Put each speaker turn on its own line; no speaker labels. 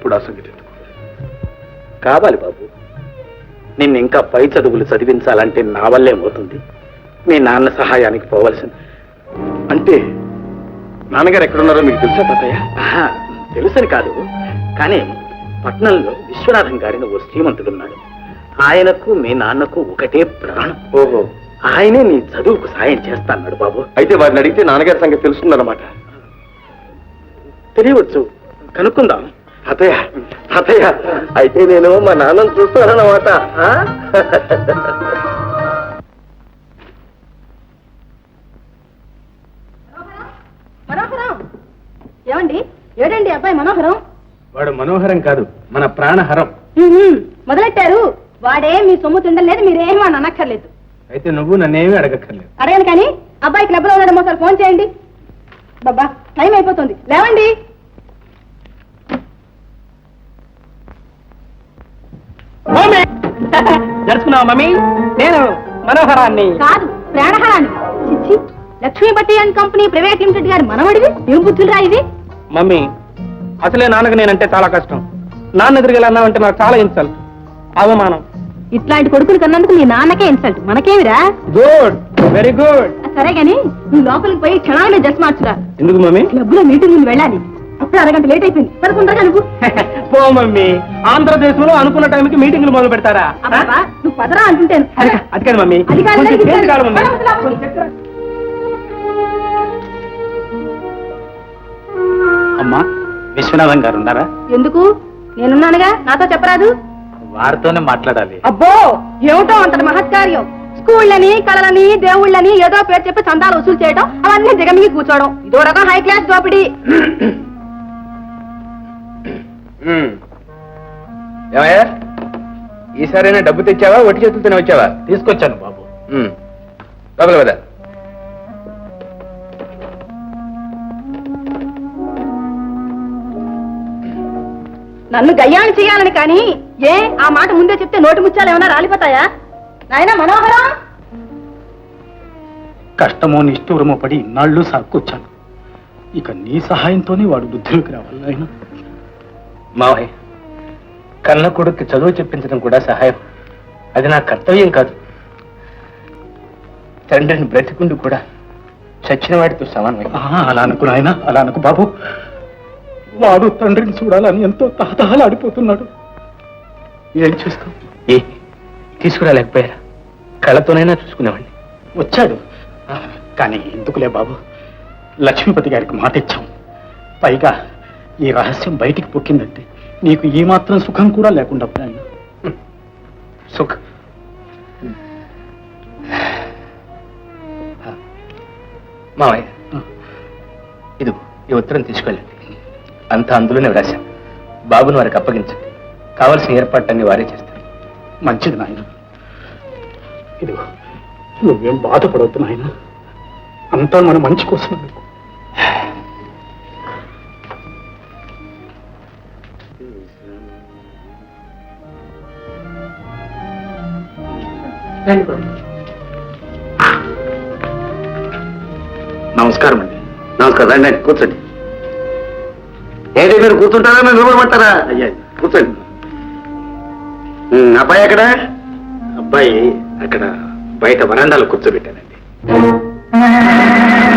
ఇప్పుడు ఆ సంగతి ఎందుకు?
కావాలి బాబు. నిన్ను ఇంకా పై చదువులు చదివించాలంటే నా వల్లేమవుతుంది. మీ నాన్న సహాయానికి పోవలసింది.
అంటే నాన్నగారు ఎక్కడున్నారో మీకు తెలుసా తాతయ్య?
తెలుసని కాదు, కానీ పట్నంలో విశ్వనాథం గారిని ఓ శ్రీమంతుడున్నాడు. ఆయనకు మీ నాన్నకు ఒకటే ప్రాణం.
ఓహో,
ఆయనే నీ చదువుకు సాయం చేస్తాన్నాడు బాబు.
అయితే వారిని అడిగితే నాన్నగారి సంగతి తెలుస్తుందన్నమాట.
తెలియవచ్చు, కనుక్కుందాం.
తాతయ్య తాతయ్య, అయితే నేను మా నాన్నను చూస్తానన్నమాట.
మనోహరం ఏమండి? ఏడండి అబ్బాయి మనోహరం?
వాడు మనోహరం కాదు, మన ప్రాణహరం.
మొదలెట్టారు. వాడే మీ సొమ్ము తిండలేదు, మీరేమీ అని అనక్కర్లేదు.
అయితే నువ్వు నన్నేమీ అడగక్కర్లేదు.
అడగను కానీ అబ్బాయి క్లబ్ లో ఉన్నాడేమో సార్ ఫోన్ చేయండి. బాబా టైం అయిపోతుంది, లేవండి.
జరుచుకున్నావా మమ్మీ? నేను మనోహరాన్ని
కాదు, ప్రాణహరాన్ని. చిచ్చి, Lakshmipati and company private limited గారి మనవడివి. ఏం బుద్ధులురా ఇది?
మమ్మీ, అసలే నాన్నకు నేనంటే చాలా కష్టం. నాన్న ఎదురుగా అన్నావంటే నాకు చాలా ఇన్సల్ట్, అవమానం.
ఇట్లాంటి కొడుకులు కన్నందుకు మీ నాన్నకే ఇన్సల్ట్, మనకేమిరా?
Good, very good.
సరే గాని నువ్వు లోపలికి పోయి క్షణాలనే డ్రెస్ మార్చురా.
ఎందుకు మమ్మీ?
క్లబ్ లో మీటింగ్ ముందు వెళ్ళాలి. అప్పుడు అరగంట లేట్ అయిపోయింది. పదకొండగా నువ్వు
పో మమ్మీ. ఆంధ్రదేశంలో అనుకున్న టైంకి మీటింగ్లు మొదలు పెడతారా?
నువ్వు పదరా అంటుంటాను.
అది కాదు మమ్మీ,
అది కాదు,
కొంచెం
ఇది
చేతి కాదు మమ్మీ. అమ్మా, విశ్వనాథం గారు ఉన్నారా?
ఎందుకు? నేనున్నానుగా, నాతో చెప్పరాదు?
వారితోనే మాట్లాడాలి.
అబ్బో, ఏమిటో అంతటి మహత్కార్యం. స్కూళ్ళని, కళలని, దేవుళ్ళని ఏదో పేరు చెప్పి చందాలు వసూలు చేయడం, అవన్నీ దిగమిగి కూర్చోవడం, ఇదో రకం హై క్లాస్ దోపిడీ.
ఏమయ్యా, ఈసారైనా డబ్బు తెచ్చావా, ఒట్టి చేతులతోనే వచ్చావా? తీసుకొచ్చాను బాబు. లోపల కదా.
నన్ను గయ్యాన్ని చేయాలని కానీ ఏ ఆ మాట ముందే చెప్తే నోటి ముత్యాలు ఏమైనా రాలిపోతాయా? నాయనా మనోహరం,
కష్టమో నిష్ఠూరమో పడి ఇన్నాళ్ళు సాక్కొచ్చాను. ఇక నీ సహాయంతోనే వాడు బుద్ధిలోకి రావాలి. ఆయన మావయ్య, కన్న కొడుక్కి చదువు చెప్పించడం కూడా సహాయం. అది నా కర్తవ్యం కాదు. తండ్రిని బ్రతికుండు కూడా చచ్చిన వాడితో సమానమే. అలా అనుకు నాయన, అలా అనుకు బాబు. వాడు తండ్రిని చూడాలని ఎంతో తహతహలాడిపోతున్నాడు. ఏం చేస్తాం? తీసుకురాలేకపోయారా? కళ్ళతోనైనా చూసుకునేవాడిని. వచ్చాడు, కానీ ఎందుకులే బాబు. లక్ష్మీపతి గారికి మాట ఇచ్చాం. పైగా ఈ రహస్యం బయటికి పొక్కిందంటే నీకు ఈ మాత్రం సుఖం కూడా లేకుండా పోయాను. సుఖం మావయ్య, ఇది ఈ ఉత్తరం తీసుకెళ్ళండి. అంతా అందులోనే వ్రాశాం. బాబుని వారికి అప్పగించండి. కావలసిన ఏర్పాట్లన్నీ వారే చేస్తారు. మంచిది నాయన. ఇదిగో, నువ్వేం బాధపడవద్దు నాయన. అంతా మన మంచి కోసం. నమస్కారం అండి.
నమస్కారం. రండి, కూర్చోండి. ఏదో మీరు కూర్చుంటారా, మీరు నిలబడమంటారా?
అయ్యా,
కూర్చోండి. అబ్బాయి ఎక్కడ?
అబ్బాయి అక్కడ బయట వరండాలో కూర్చోబెట్టానండి.